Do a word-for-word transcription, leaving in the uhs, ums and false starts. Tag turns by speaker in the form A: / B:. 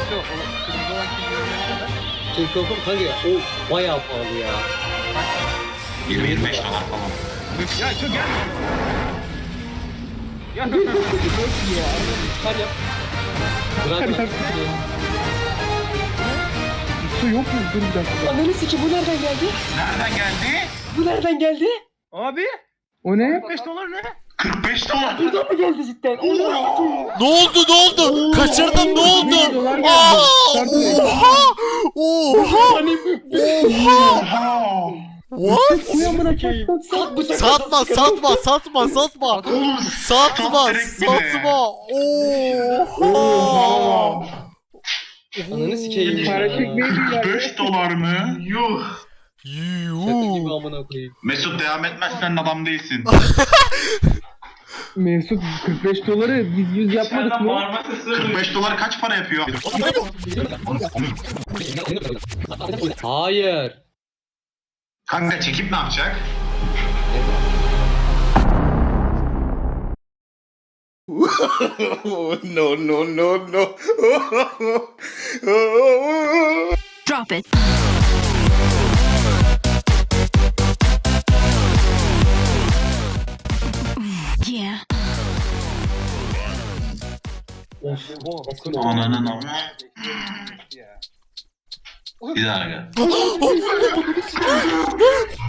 A: Şu o kırmızı olan kimliği ne kadar?
B: King Kong'um kanka ya, o bayağı pahalı ya.
C: yirmi yirmi beş dolar falan.
A: Ya çok gel. Ya
B: Hadi yap. Bırak bırak.
D: Su yok mu? Dur bir dakika.
B: Ananı sikim, bu nereden geldi?
C: Nereden geldi?
B: Bu nereden geldi?
A: abi
D: O ne?
A: beş dolar ne?
C: kırk beş dolar.
B: Buradan mı geldi cidden? Allah
E: Ne oldu ne oldu? Kaçırdım ne oldu?
D: dolar geldi.
E: Aa!
D: Kartı.
E: Oha! Oha! Oha!
C: Oha.
E: What?
D: Uyanmına çarptım.
B: Sat bıçak.
E: Satma satma satma satma.
C: Oğlum
E: Satma
C: sat direkt bir de.
E: satma. Oha!
C: Oha.
B: Ananı sikeyim
D: Para
B: ya.
D: çekmeyi bilirler.
C: kırk beş dolar mı? Yuh.
B: Şaka gibi
E: Yuh.
B: amına koyayım.
C: Mesut devam etmezsen adam değilsin.
D: Mesut kırk beş doları biz yüz yapmadık mı?
C: kırk beş dolar kaç para yapıyor?
B: Hayır.
C: Kanka çekip ne yapacak?
E: No no no no.
F: Drop it. Yeah.
C: Ananın ama. Bir daha gel.